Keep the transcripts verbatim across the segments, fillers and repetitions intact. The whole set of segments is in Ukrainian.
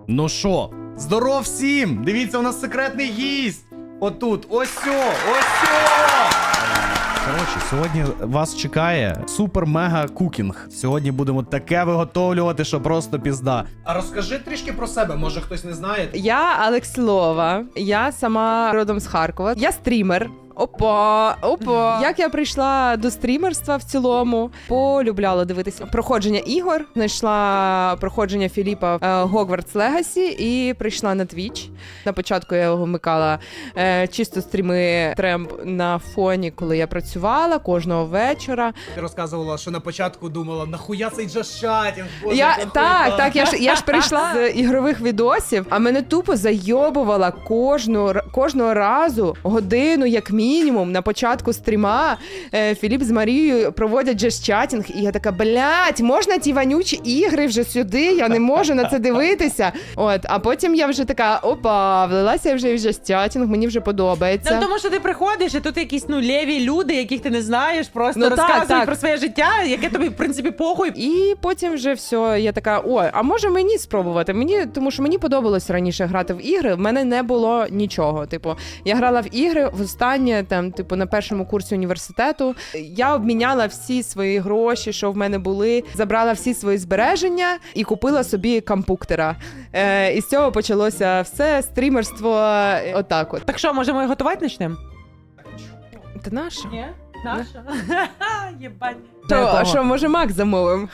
Ну що, здоров всім! Дивіться, у нас секретний гість! Отут, ось сьо, ось сьо! Коротше, сьогодні вас чекає супер-мега-кукінг. Сьогодні будемо таке виготовлювати, що просто пізда. А розкажи трішки про себе, може хтось не знає. Я Алексілова, я сама родом з Харкова. Я стрімер. Опа, опа. Як я прийшла до стрімерства в цілому, полюбляла дивитися проходження ігор, знайшла проходження Філіпа Hogwarts Legacy і прийшла на Twitch. На початку я його вмикала е, чисто стріми тремп на фоні, коли я працювала кожного вечора. Ти розказувала, що на початку думала, нахуя цей джаз-чатінг? Боже, Я, яка так, хуйта. так, я ж, я ж прийшла з ігрових відосів, а мене тупо зайобувала кожну, кожного разу годину, як мінімум, на початку стріма е, Філіп з Марією проводять джаз-чатінг, і я така, блядь, можна ті вонючі ігри вже сюди, я не можу на це дивитися. От, а потім я вже така, опа, влилася вже в джаз-чатінг, мені вже подобається. Ну, тому що ти приходиш, і тут якісь ну леві люди, яких ти не знаєш, просто Ну, так, розказують так. про своє життя, яке тобі, в принципі, похуй. І потім вже все, я така, ой, а може мені спробувати? Мені, тому що мені подобалось раніше грати в ігри, в мене не було нічого. Типу, я грала в ігри востаннє, там, типу, на першому курсі університету. Я обміняла всі свої гроші, що в мене були, забрала всі свої збереження і купила собі компуктера. Е, і з цього почалося все, стрімерство, е, отак от. Так що, може, ми готувати почнемо? Ти наша? Ні? Наша? Єбать. То, а що, може, Мак замовим?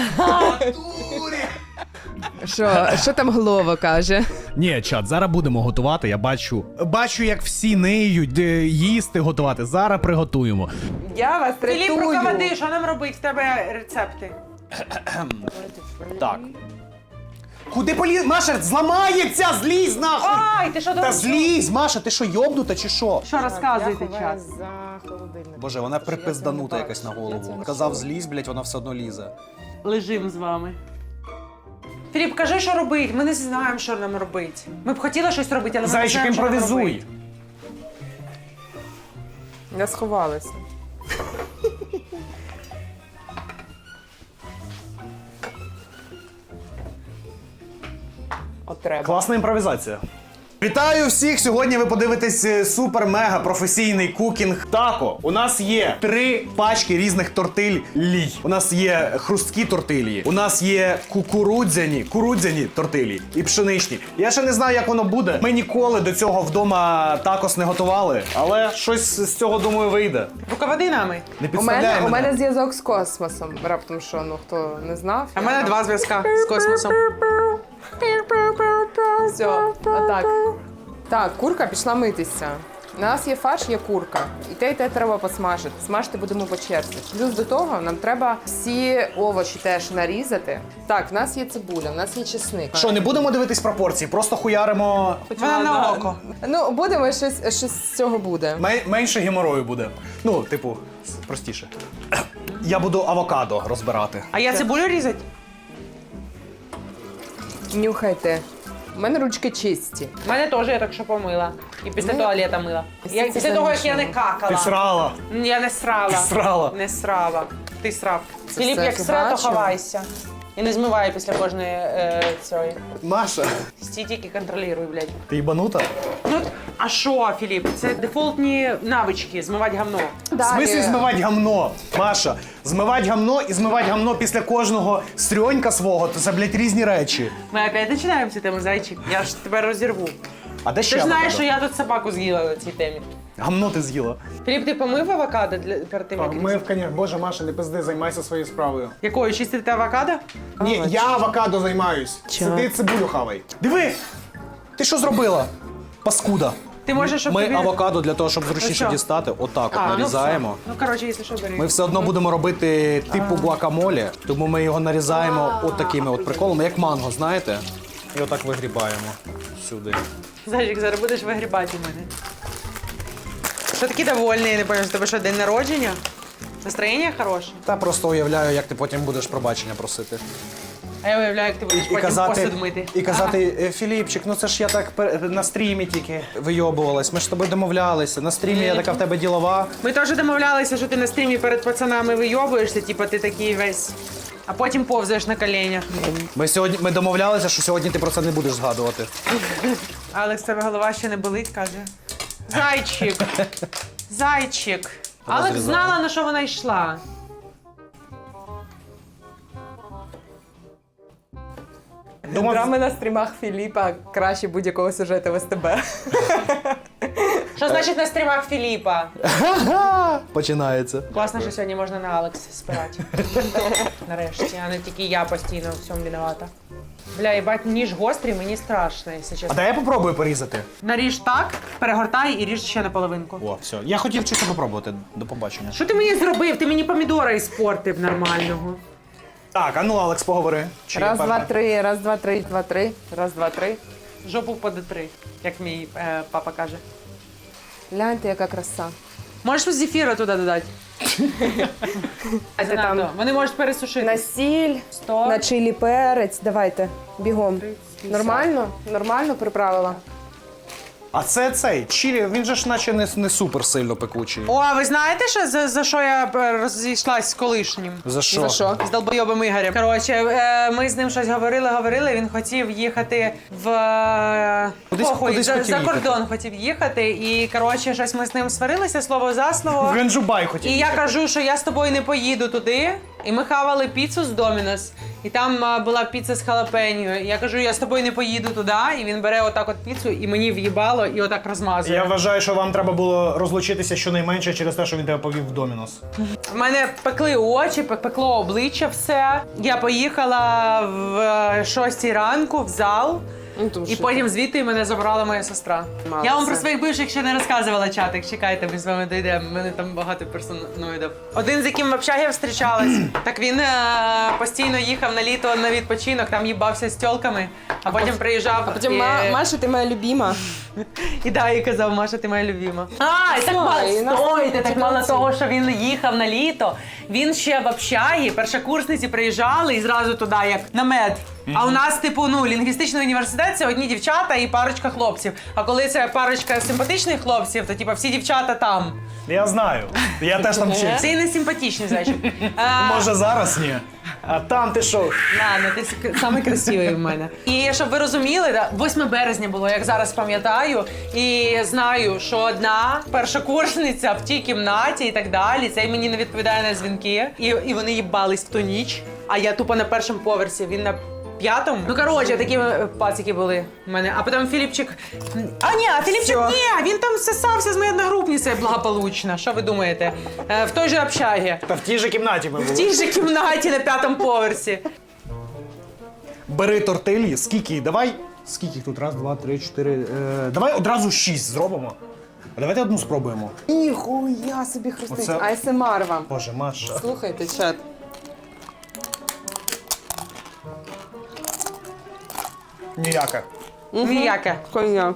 Що, що там Глова каже? Ні, чат, зараз будемо готувати, я бачу. Бачу, як всі ниють, де їсти готувати. Зараз приготуємо. Я вас Філіп, руководи, що нам робити? В тебе рецепти. Так. Куди поліз? Маша, зламається! Злізь нахуй! Ай, ти що Та думаєш? злізь, Маша, ти що, йобнута чи що? Що розказуєте час? Боже, вона припизданута якась на голову. Казав злізь, блядь, вона все одно лізе. Лежим з вами. Філіп, кажи, що робити. Ми не знаємо, що нам робити. Ми б хотіли щось робити, але ми Зайчик, не знаємо, що нам імпровізуй! робити. Я сховалася. От треба. Класна імпровізація. Вітаю всіх! Сьогодні ви подивитесь супер-мега професійний кукінг тако. У нас є три пачки різних тортиль лій. У нас є хрусткі тортилі, у нас є кукурудзяні, курудзяні тортилі і пшеничні. Я ще не знаю, як воно буде. Ми ніколи до цього вдома такос не готували, але щось з цього, думаю, вийде. Руководи нами. Не У підставляй мене, мене. у мене зв'язок з космосом. Раптом що, ну хто не знав. А в мене два зв'язка з космосом. Все, отак. Так, курка пішла митися. У нас є фарш, є курка. І те, і те треба посмажити. Смажити будемо по черзі. Плюс до того нам треба всі овочі теж нарізати. Так, в нас є цибуля, в нас є чесник. Що, не будемо дивитись пропорції, просто хуяримо. Вона на око. Ну, будемо, щось, щось з цього буде. Мен- менше геморою буде. Ну, типу, простіше. Я буду авокадо розбирати. А я цибулю різати? Нюхайте. У мене ручки чисті. У мене теж я так що помила. І після Ну, туалета мила. Я, це після того, як я не замішано. какала. Ти срала. Я не срала. Ти срала. Не срала. Ти срав. Це Філіп, все як сра, то бачила. ховайся. І не змивай після кожної е, цієї. Маша, Стій тільки контролюй, блядь. ти їбанута? Ну, а що, Філіп? Це дефолтні навички, змивати гавно. В смислі Далі. змивати гамно? Маша, змивати гамно і змивати гамно після кожного стрьонька свого, то це, блядь, різні речі. Ми опять починаємо цю тему, зайчик. Я ж тебе розірву. А де ще Ти ж знаєш, авокадо? що я тут собаку з'їла на цій темі. Гамно ти з'їла. Філіп, ти помив авокадо для, перед тим, як Ми в коня. Боже, Маша, не пизди, займайся своєю справою. Якою? Чистити авокадо? Ні, я авокадо займаюсь. Сиди цибулю хавай. Диви! Ти що зробила? Паскуда. Ти можеш, щоб Ми тобі... авокадо для того, щоб зручніше що? дістати, отак А, от нарізаємо. Ну, все. ну, коротше, якщо що, бери. Ми все одно будемо робити типу гуакамолі, тому ми його нарізаємо от такими от приколами, як манго, знаєте? І отак вигрібаємо сюди. Зайчик, зараз будеш вигрібати у мене. Що такий довольний, я не пам'ятаю, у тебе що, день народження? Настроєння хороше? Та просто уявляю, як ти потім будеш пробачення просити. А я уявляю, як ти будеш І потім казати, посуд мити. і казати, «Е, Філіпчик, ну це ж я так пер- на стрімі тільки вийобувалась, ми ж з тобою домовлялися. На стрімі я така в тебе ділова. Ми теж домовлялися, що ти на стрімі перед пацанами вийобуєшся, типу ти такий весь а потім повзаєш на коленях. Ми сьогодні ми домовлялися, що сьогодні ти про це не будеш згадувати. Алекс, тебе голова ще не болить, каже. Зайчик. Зайчик. Алекс Розрізаю. знала, на що вона йшла. Думав, Драми на стрімах Філіпа краще будь-якого сюжету в СТБ. Що значить на стрімах Філіпа? починається. Класно, що сьогодні можна на Алекс спирати. Нарешті, а не тільки я постійно в всьому виновата. Бля, їбать, ніж гострий, мені страшно, якщо А чесно. дай я попробую порізати. Наріж так, перегортай і ріж ще на половинку. О, все. Я хотів чисто попробувати. До побачення. Що ти мені зробив? Ти мені помідора іспортив нормального. Так, а ну, Алекс, поговори. Чи Раз, я два, перша? три, раз, два, три, два, три, раз, два, три. Жопу по три, як мій е, папа каже. Гляньте, яка краса. Можеш зефіра туди додати? А ти Занадто. там Вони можуть пересушити. на сіль, Сто. на чилі перець. Давайте, бігом. Нормально? Нормально приправила? А це цей чилі, він же ж наче не, не супер сильно пекучий. О, а ви знаєте, що, за, за що я е, розійшлась з колишнім? За що? За що? З долбойобим Ігорем. Коротше, е, ми з ним щось говорили, говорили. Він хотів їхати в е, Кудись- похуй, кудись за, хотів за їхати. кордон хотів їхати. І коротше, щось ми з ним сварилися, слово за слово. В Ганджубай хотів. І я кажу, що я з тобою не поїду туди. І ми хавали піцу з Домінос. І там а, була піца з халапеньо. І я кажу, я з тобою не поїду туди. І він бере отак от піцу і мені в'їбало, і отак розмазує. Я вважаю, що вам треба було розлучитися щонайменше через те, що він тебе повів в Домінос. В мене пекли очі, пек- пекло обличчя все. Я поїхала в е, шостій ранку в зал. І потім звідти мене забрала моя сестра. Мало Я вам це. про своїх бивших ще не розказувала, чатик. Чекайте, ми з вами дійдемо. У мене там багато персоноїдів. Один, з яким в общагі я зустрічалась, так він е, постійно їхав на літо на відпочинок, там їбався з тьолками, а потім приїжджав. А потім і, Ма- Маша, ти моя любима. і да, і казав, Маша, ти моя любима. А, і так мало і нас стойте, тут так мало молодці. того, що він їхав на літо. Він ще в общагі, першокурсниці приїжджали і зразу туди, як на мед. А у нас, типу, ну, лінгвістичний університет це одні дівчата і парочка хлопців. А коли це парочка симпатичних хлопців, то типу всі дівчата там. Я знаю. Я теж там вчився. Це і не симпатичні, зайчик. Може зараз ні. А там ти що? Ладно, ти с- самий красивий в мене. І щоб ви розуміли, да, восьме березня було, як зараз пам'ятаю, і знаю, що одна першокурсниця в тій кімнаті і так далі, цей мені не відповідає на дзвінки, і, і вони їбались в ту ніч, а я тупо на першому поверсі, він на п'ятому. Ну, коротше, такі е, пацики були в мене. А потім Філіпчик... А ні, а Філіпчик, Всьо. ні, він там сосався з моєю одногрупницею благополучно. Що ви думаєте? Е, в той же общагі. Та в тій же кімнаті ми В були. тій же кімнаті на п'ятому поверсі. Бери тортилі, скільки, давай. Скільки їх тут? Раз, два, три, чотири. Е, давай одразу шість зробимо. А давайте одну спробуємо. Ніхуя собі хрустить. Оце- А ес ем ар вам. Боже, Маша. Слухайте, чат. Ніяка. Ніяке. Хуйня.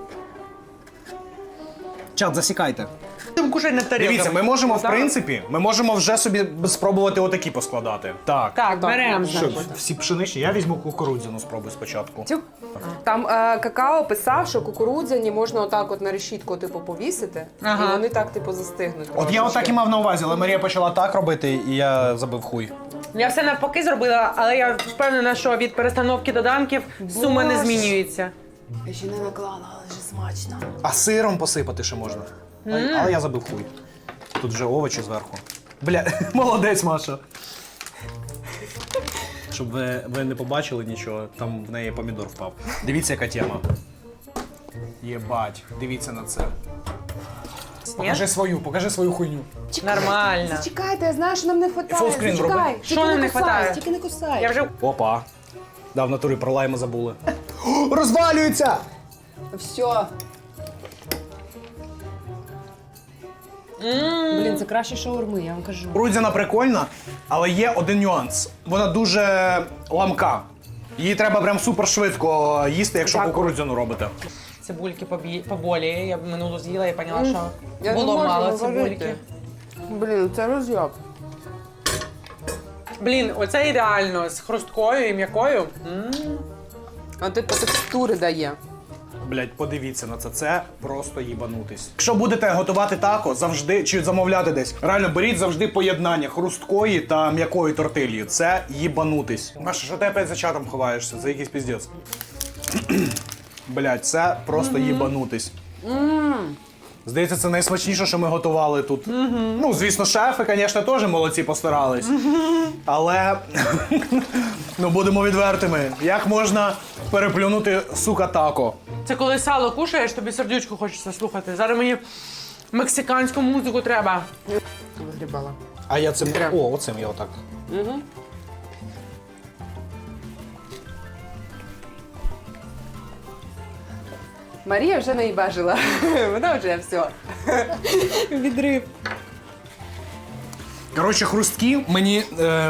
Чат, засікайте. Там кушай на тарілку. Дивіться, ми можемо, в принципі, ми можемо вже собі спробувати отакі поскладати. Так. Так, беремо, Що, значить. всі пшеничні? Я візьму кукурудзяну спробую спочатку. Тю. Там е, какао писав, що кукурудзяні можна отак от на решітку типу повісити, Ага. і вони так типу застигнуть. От я отак і мав на увазі, але Марія почала так робити, і я забив хуй. Я все навпаки зробила, але я впевнена, що від перестановки доданків сума не Боже. змінюється. Я ще не наклала, але ж смачно. А сиром посипати ще можна. Але- Але я забив хуй. Тут вже овочі зверху. Бля, молодець, Маша. Щоб ви, ви не побачили нічого, там в неї помідор впав. Дивіться, яка тема. Єбать, дивіться на це. Покажи свою, покажи свою хуйню. Нормально. Зачекайте, я знаю, що нам не вистачає. Фулскрін Зачекай. роби. Тільки Що нам не кусай, хватає? Тільки не кусай. Я вже Опа. Да, в натурі про лайма забули. О, розвалюється! Все. Блін, це краще шаурми, я вам кажу. Кукурудзяна прикольна, але є один нюанс. Вона дуже ламка. Її треба прям супер швидко їсти, якщо Дякую. кукурудзяну робите. цибульки побі... поболіє. Я минулу з'їла і поняла, що Я було не можу мало говорити. цибульки. Блін, це роз'єб. Блін, оце ідеально з хрусткою і м'якою. М. А типу текстури дає. Блять, подивіться на це. Це просто їбанутись. Якщо будете готувати тако, завжди чи замовляти десь, реально беріть завжди поєднання хрусткої та м'якої тортилі. Це їбанутись. Маша, що ти опять за чатом ховаєшся? Це якийсь піздець. Блять, це просто їбанутись. Здається, це найсмачніше, що ми готували тут. Ну, звісно, шефи, звісно, теж молодці постарались. Але, ну, будемо відвертими. Як можна переплюнути, сука, тако? Це коли сало кушаєш, тобі сердючку хочеться слухати. Зараз мені мексиканську музику треба. Вигрібала. А я цим... О, оцим я отак. Угу. Марія вже не бажила. Вона вже все. Відрив. Коротше, хрусткі мені... Е...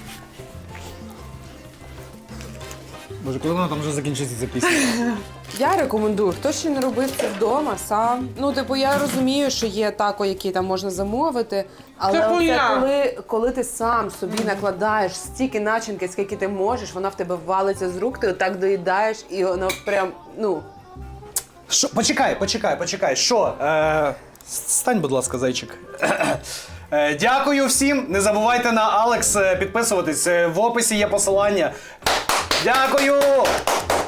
Боже, коли вона там вже закінчиться ця пісня? Я рекомендую, хто ще не робив це вдома, сам. Ну, типу, я розумію, що є тако, які там можна замовити, але Це це хуйня. коли, коли ти сам собі накладаєш стільки начинки, скільки ти можеш, вона в тебе валиться з рук, ти отак доїдаєш, і воно прям, ну. Що? Почекай, почекай, почекай. Що? Е... Стань, будь ласка, зайчик. Е, Дякую всім. Не забувайте на Алекс е, підписуватись. Е, В описі є посилання. Дякую!